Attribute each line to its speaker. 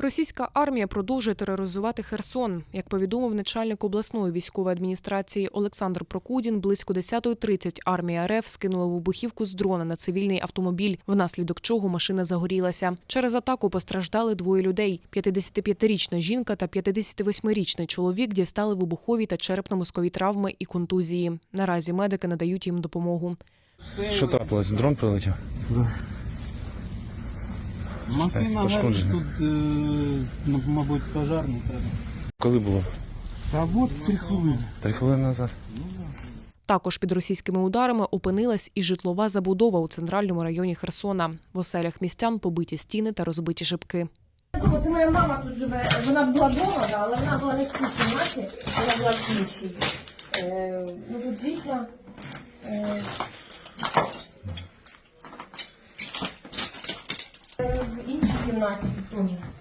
Speaker 1: Російська армія продовжує тероризувати Херсон. Як повідомив начальник обласної військової адміністрації Олександр Прокудін, близько 10:30 армія РФ скинула вибухівку з дрона на цивільний автомобіль, внаслідок чого машина загорілася. Через атаку постраждали двоє людей. 55-річна жінка та 58-річний чоловік дістали вибухові та черепно-мозкові травми і контузії. Наразі медики надають їм допомогу.
Speaker 2: Що трапилось? Дрон прилетів?
Speaker 3: Да. Машина горить, тут, мабуть, пожарний треба.
Speaker 2: Коли було?
Speaker 3: Та от 3 хвилини.
Speaker 2: 3 хвилини назад.
Speaker 1: Також під російськими ударами опинилась і житлова забудова у центральному районі Херсона. В оселях містян побиті стіни та розбиті шибки.
Speaker 4: Це моя мама тут живе, вона була вдома, але вона була не в цій кімнаті, вона була в іншій. Тут вікна. В іншій кімнаті тут теж.